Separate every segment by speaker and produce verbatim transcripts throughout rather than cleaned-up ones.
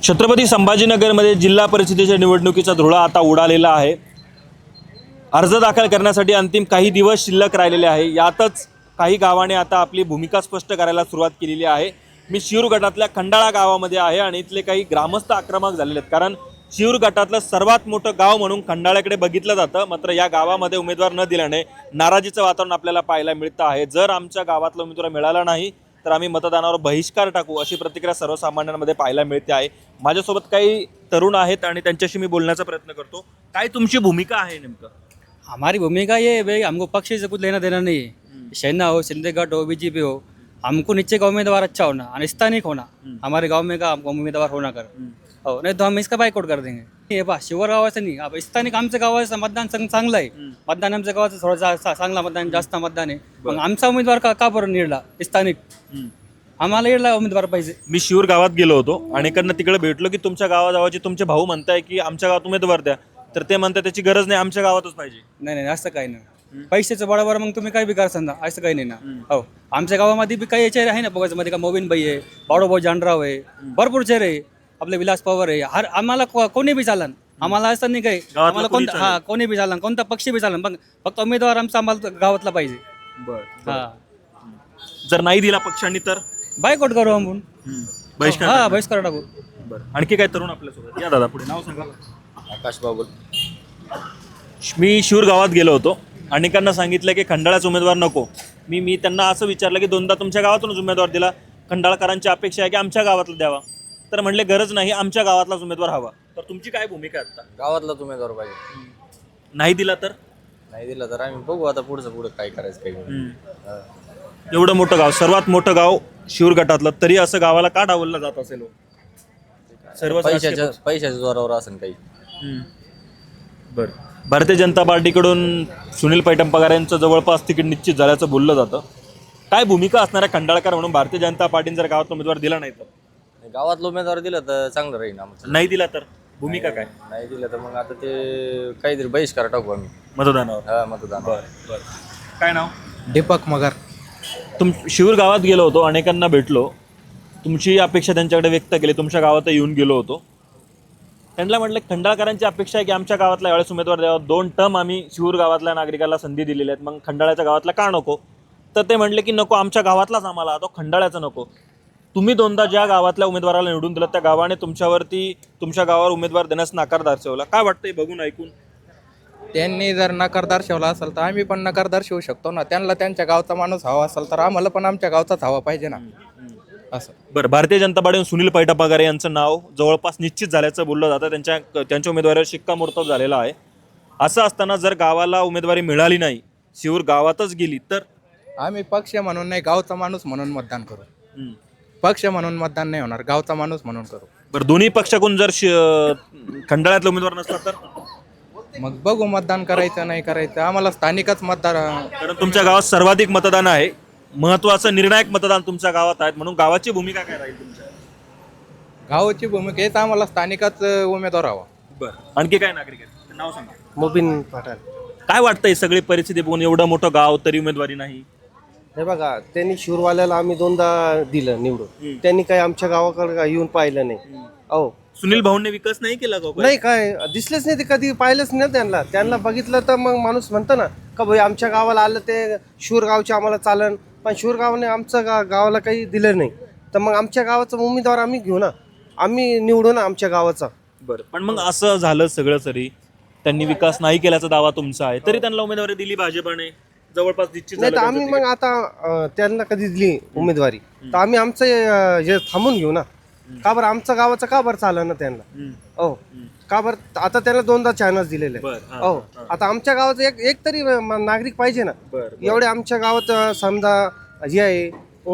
Speaker 1: छत्रपती संभाजीनगरमध्ये जिल्हा परिषदेच्या निवडणुकीचा धुळा आता उडालेला आहे। अर्ज दाखल करण्यासाठी अंतिम काही दिवस शिल्लक राहिलेले आहे। यातच काही गावाने आता आपली भूमिका स्पष्ट करायला सुरुवात केलेली आहे। मी शिरूर गटातल्या खंडाळा गावामध्ये आहे आणि इथले काही ग्रामस्थ आक्रमक झालेले आहेत, कारण शिरूर गटातलं सर्वात मोठं गाव म्हणून खंडाळ्याकडे बघितलं जातं। मात्र या गावामध्ये उमेदवार न दिल्याने नाराजीचं वातावरण आपल्याला पाहायला मिळतं आहे। जर आमच्या गावातला उमेदवार मिळाला नाही तर आम्ही मतदानावर बहिष्कार टाकू, अशी प्रतिक्रिया सर्वसामान्यांमध्ये पाहायला मिळते आहे। माझ्यासोबत काही तरुण आहेत आणि त्यांच्याशी मी बोलण्याचा प्रयत्न करतो। काय तुमची भूमिका आहे नेमकं?
Speaker 2: हमारी भूमिका ये है भाई, हमको पक्ष से कुछ लेना देना नहीं है। सेना हो, शिंदे गट हो, बीजेपी हो, हमको नीचे का उम्मीदवार अच्छा होना और स्थानिक होना, हमारे गांव में का हमको उम्मीदवार होना कर हो, नहीं तो हम इसका बायकॉट कर देंगे। ये बा शिवर गावाचं नाही, अब स्थानिक आमच्या गावाचं मतदान चांग- चांगलं आहे। मतदान आमच्या गावाचं थोडं जा- चा- चांगला मतदान, जास्त मतदान आहे। मग आमचा उमेदवार का का बरं निवडला स्थानिक? आम्हाला येडला उमेदवार पाहिजे।
Speaker 1: मी शिरूर गावात गेलो होतो आणि कडनं तिकडे भेटलो की तुमच्या गावाजावाचे तुमचे भाऊ म्हणताय की आमच्या गावात उमेदवार द्या, तर ते म्हणतात त्याची गरज नाही, आमच्या गावातच पाहिजे।
Speaker 2: नाही नाही असं काही नाही, पैशाचं बरोबर मग तुम्ही काय बी करा समजा, असं काही नाही ना। हो, आमच्या गावामध्ये बी काही चेहरे आहे ना, बघायचं मध्ये का मोबिन भाई आहे, बाळूभाऊ जानराव आहे, भरपूर चेहरे आहे, आपले विलास पवार आहे। हर आम्हाला को- कोणी बी चालन, आम्हाला असं नाही काही, आम्हाला
Speaker 1: कोणी
Speaker 2: कोणता हा कोणी बी चालन, कोणता पक्ष बी चालन, पण फक्त उमेदवार आमचा आम्हाला गावातला पाहिजे।
Speaker 1: बरं,
Speaker 2: हा,
Speaker 1: जर नाही दिला पक्षांनी तर
Speaker 2: बायकॉट करू आपण,
Speaker 1: बहिष्कार
Speaker 2: हा
Speaker 1: टाकणार.
Speaker 2: बहिष्कार टाकू।
Speaker 1: बरं, आणखी काय तरुण आपल्यासोबत? या दादा पुढे, नाव सांगा।
Speaker 3: आकाश बाबुल.
Speaker 1: मी शिरूर गावात गेलो होतो आणि त्यांना सांगितलं की खंडाळाचा उमेदवार नको। मी मी त्यांना असं विचारलं की दोनदा तुमच्या गावातूनच उमेदवार दिला, खंडाळकरांची अपेक्षा आहे की आमच्या गावातला द्यावा, तर म्हणले गरज नाही, आमच्या गावातलाच उमेदवार हवा। तर तुमची काय भूमिका आहे आता?
Speaker 3: गावातलाच उमेदवार पाहिजे,
Speaker 1: नाही दिला तर?
Speaker 3: नाही दिला तर आम्ही बघू आता पुढचं पुढं काय करायचं काही नाही. हा.
Speaker 1: एवढं मोठं गाव, सर्वात मोठं गाव शिरूर गटातलं, तरी असं गावाला का डावललं जात असेल? सर्व
Speaker 3: पैशाच्या पैशाच्या जोरावर असेल काही.
Speaker 1: बरं, भारतीय जनता पार्टीकडून सुनील पैठण पगार यांचं जवळपास तिकीट निश्चित झाल्याचं बोललं जातं। काय भूमिका असणार आहे खंडाळकर म्हणून भारतीय जनता पार्टीने जर गावात उमेदवार दिला नाही तर?
Speaker 3: गावातला उमेदवार दिला तर चांगलं राहील आमचं.
Speaker 1: नाही दिला तर भूमिका काय?
Speaker 3: नाही दिलं तर मग आता ते काहीतरी बहिष्कार टाकू आम्ही
Speaker 1: मतदानावर?
Speaker 3: हा मतदान.
Speaker 1: काय नाव?
Speaker 4: दीपक मगर.
Speaker 1: तुम शिरूर गावात गेलो होतो, अनेकांना भेटलो, तुमची अपेक्षा त्यांच्याकडे व्यक्त केली, तुमच्या गावात येऊन गेलो होतो। त्यांना म्हटलं खंडाळकरांची अपेक्षा आहे की आमच्या गावातला यावेळेस उमेदवार द्यावा, दोन टर्म आम्ही शिरूर गावातल्या नागरिकाला संधी दिलेल्या आहेत, मग खंडाळ्याच्या गावातला का नको? तर ते म्हटले की नको, आमच्या गावातलाच आम्हाला, तो खंडाळ्याचा नको। तुम्ही दोनदा ज्या गावातल्या उमेदवाराला निवडून दिलं त्या गावाने तुमच्यावरती तुमच्या गावावर उमेदवार देण्यास नकार दर्शवला। काय वाटतंय बघून ऐकून?
Speaker 4: त्यांनी जर नकार दर्शवला असेल तर आम्ही पण नकार दर्शवू शकतो ना। त्यांना त्यांच्या गावचा माणूस हवा असेल तर आम्हाला पण आमच्या गावचाच हवा पाहिजे ना, असं.
Speaker 1: बरं, भारतीय जनता पार्टीने सुनील पैठण पगार यांचं नाव जवळपास निश्चित झाल्याचं बोललं जातं, त्यांच्या त्यांच्या उमेदवारीवर शिक्कामोर्तब झालेला आहे। असं असताना जर गावाला उमेदवारी मिळाली नाही, शिरूर गावातच गेली तर?
Speaker 4: आम्ही पक्ष म्हणून नाही, गावचा माणूस म्हणून मतदान करू। पक्ष म्हणून मतदान नाही होणार, गावचा माणूस म्हणून करू।
Speaker 1: बरं, दोन्ही पक्षाकडून जर खंडाळ्यातला उमेदवार नसला तर?
Speaker 4: मग बघू, मतदान करायचं नाही करायचं, आम्हाला स्थानिकच मतदार.
Speaker 1: कारण तुमच्या गावात सर्वाधिक मतदान आहे, महत्वाचं निर्णायक मतदान तुमच्या गावात आहेत, म्हणून गावाची भूमिका काय राहील तुमच्या?
Speaker 4: गावाची भूमिका हेच, आम्हाला स्थानिकच उमेदवार हवा।
Speaker 1: बरं, आणखी काय नागरिक आहेत? नाव सांगा।
Speaker 5: मोबिन पठाण.
Speaker 1: काय वाटतंय सगळी परिस्थिती बघून, एवढं मोठं गाव तरी उमेदवारी नाही?
Speaker 5: हे बघा, त्यांनी शिवरवाल्याला आम्ही दोनदा दिलं निवडून, त्यांनी काही आमच्या गावाकडे काय येऊन पाहिलं नाही. अहो
Speaker 1: सुनील भाऊंनी विकास नाही केला का?
Speaker 5: नाही, काय दिसलेच नाही, ते कधी पाहिलंच नाही त्यांना. त्यांना बघितलं तर मग माणूस म्हणतो ना का भाई आमच्या गावाला आलं ते शिवर गावचे आम्हाला चालन, पण शिवर गावाने आमचं गा गावाला काही दिलं नाही, तर मग आमच्या गावाचा उमेदवार आम्ही घेऊ ना, आम्ही निवडू ना आमच्या गावाचा.
Speaker 1: बरं, पण मग असं झालं सगळं, तरी त्यांनी विकास नाही केल्याचा दावा तुमचा आहे, तरी त्यांना उमेदवारी दिली भाजपाने, जवळपास निश्चित
Speaker 5: नाही तर
Speaker 1: झालं
Speaker 5: आम्ही
Speaker 1: त्यांचं
Speaker 5: मग आता अं, त्यांना कधी दिली उमेदवारी तर आम्ही आमचं अं, हे थांबून घेऊ ना. का बरं आमचं गावाचं का बरं चाललं ना त्यांना?
Speaker 1: तिकीट.
Speaker 5: हो, का बरं आता त्याला दोनदा चान्स दिलेले.
Speaker 1: बरं, हां,
Speaker 5: हो, आता आमच्या गावाचं एक एक तरी म- नागरिक पाहिजे ना.
Speaker 1: बरं,
Speaker 5: एवढे आमच्या गावात अं, समजा जे आहे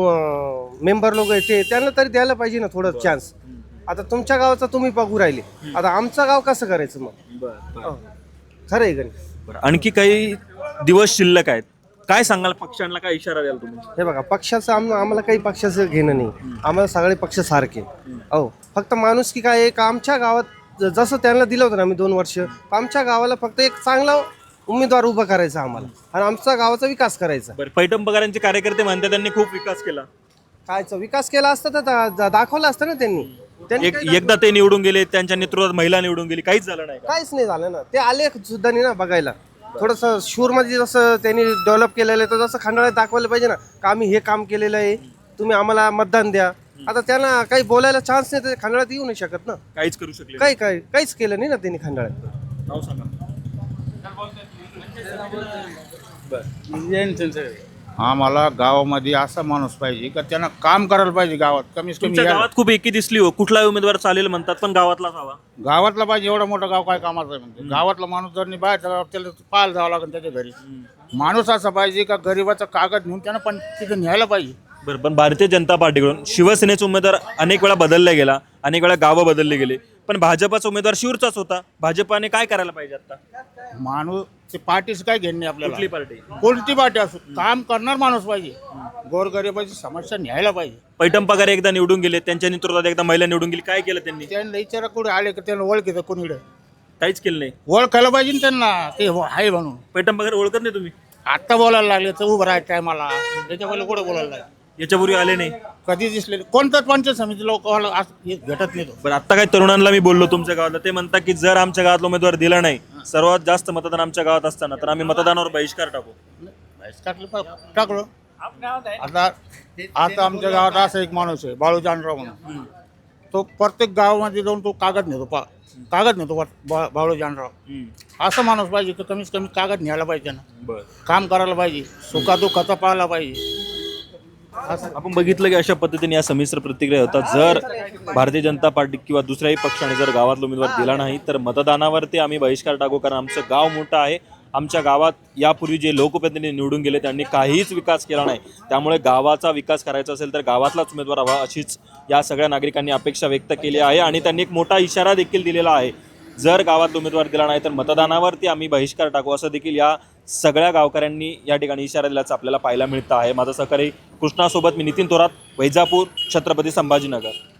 Speaker 5: मेंबर लोक आहे ते, त्यांना तरी द्यायला पाहिजे ना थोडं चान्स. आता तुमच्या गावाचं तुम्ही बघू राहिले, आता आमचं गाव कसं करायचं मग?
Speaker 1: बरं, बरं.
Speaker 5: हो. खरं आहे का नाही?
Speaker 1: बरं, आणखी काही दिवस शिल्लक आहेत, काय सांगाल पक्षांना, काय इशारा द्याल तुम्ही?
Speaker 5: हे बघा, पक्षाचं आम आम्हाला काही पक्षाचं घेणं नाही, आम्हाला सगळे पक्ष सारखे. हो, फक्त माणूस की काय आहे का आमच्या गावात ज- जसं त्यांना दिलं होतं ना आम्ही दोन वर्ष, आमच्या गावाला फक्त एक चांगला उमेदवार उभा करायचा आम्हाला आणि आमचा गावाचा विकास करायचा.
Speaker 1: बरं, पैठण पगारांचे कार्यकर्ते म्हणतात त्यांनी खूप विकास केला,
Speaker 5: कायचा विकास केला असता तर दा- दा- दाखवला असतं ना त्यांनी. त्यांनी
Speaker 1: एक
Speaker 5: काही दाखवलं-
Speaker 1: एकदा ते निवडून गेले, त्यांच्या नेतृत्वात महिला निवडून गेली, काहीच झालं नाही का?
Speaker 5: काहीच नाही झालं ना. ते आले सुद्धा नाही ना बघायला. थोडंसं शूरमध्ये जसं त्यांनी डेव्हलप केलेलं आहे तर जसं खंडाळ्यात दाखवायला पाहिजे ना का आम्ही हे काम केलेलं आहे, तुम्ही आम्हाला मतदान द्या. आता त्यांना काही बोलायला चान्स नाही तर खंडाळ्यात येऊ नाही शकत ना.
Speaker 1: काहीच करू शकले नाही.
Speaker 5: काही काही काहीच केलं नाही ना त्यांनी खंडाळ्यात.
Speaker 1: नाव सांगा.
Speaker 6: आम्हाला गावामध्ये असा माणूस पाहिजे का त्यांना काम करायला पाहिजे गावात कमीत कमी
Speaker 1: तुमच्या
Speaker 6: या-
Speaker 1: गावात खूप एकी दिसली हो, कुठलाही उमेदवार चालेल म्हणतात पण गावातलाच हवा.
Speaker 6: गावातला पाहिजे. एवढं मोठं गाव काय कामाचं आहे म्हणते. गावातला माणूस जर नाही बाहेरच्या गावात त्याला पाहायला जावं लागेल त्याच्या घरी. माणूस असा पाहिजे का गरीबाचा कागद नेऊन त्यांना पण तिथे न्यायला पाहिजे.
Speaker 1: बरं, पण भारतीय जनता पार्टीकडून शिवसेनेचा उमेदवार अनेक वेळा बदलला गेला, अनेक वेळा गावं बदलले गेले, पण भाजपाचा उमेदवार शिवचाच होता. भाजपाने काय करायला पाहिजे आता?
Speaker 6: माणूस ते पार्टीचं काय घेणे
Speaker 1: कुठली
Speaker 6: आपल्याला.
Speaker 1: पार्टी?
Speaker 6: कोणती पार्टी असो काम करणार माणूस पाहिजे. गोरगरिबाची समस्या न्यायला पाहिजे.
Speaker 1: पैठण पगार एकदा निवडून गेले, त्यांच्या नेतृत्वात एकदा महिला निवडून गेली, काय केलं त्यांनी?
Speaker 6: त्यांना विचारा कुठे आले का त्यांना ओळखीचं कोणीकडे
Speaker 1: काहीच केलं नाही.
Speaker 6: ओळखायला पाहिजे ना त्यांना ते हो- आहे म्हणून.
Speaker 1: पैठण पगार ओळखत नाही तुम्ही?
Speaker 6: आत्ता बोलायला लागले तर उभं राहायचं टायमाला त्याच्या पहिले कुठे बोलायला लागले.
Speaker 1: याच्यापूर्वी आले नाही.
Speaker 6: कधी दिसले कोणताच पंचायत समिती लोक भेटत नाही तो.
Speaker 1: बरं, आता काही तरुणांना मी बोललो तुमच्या गावातला, ते म्हणतात की जर आमच्या गावातला उमेदवार दिला नाही, सर्वात जास्त मतदान आमच्या गावात असताना, तर आम्ही मतदानावर बहिष्कार टाकू.
Speaker 6: बहिष्कारला पा- टाकलो. आता आता आमच्या गावात असा एक माणूस आहे बाळू जानराव म्हणून. तो प्रत्येक गावामध्ये जाऊन तो कागद नेतो. पा कागद नेतो बा- बा- बाळू जानराव असा माणूस पाहिजे की कमीत कमी कागद न्यायला पाहिजे ना.
Speaker 1: बरं,
Speaker 6: काम करायला पाहिजे. सुखादुखाचा पाहायला पाहिजे.
Speaker 1: आपण बघितलं की अशा पद्धतीने या संमिश्र प्रतिक्रिया होतात. जर भारतीय जनता पार्टी किंवा दुसऱ्याही पक्षाने जर गावातला उमेदवार दिला नाही तर मतदानावरती आम्ही बहिष्कार टाकू, कारण आमचं गाव मोठं आहे. आमच्या गावात यापूर्वी जे लोकप्रतिनिधी निवडून गेले त्यांनी काहीच विकास केला नाही, त्यामुळे गावाचा विकास करायचा असेल तर गावातलाच उमेदवार हवा, अशीच या सगळ्या नागरिकांनी अपेक्षा व्यक्त केली आहे. आणि त्यांनी एक मोठा इशारा देखील दिलेला आहे, जर गावात उमेदवार दिला नाही तर मतदानावरती आम्ही बहिष्कार टाकू, असं देखील या सगळ्या गावकऱ्यांनी या ठिकाणी इशारा दिल्याचं आपल्याला पाहायला मिळतं आहे. माझा सहकारी कृष्णासोबत मी नितीन थोरात, वैजापूर, छत्रपती संभाजीनगर.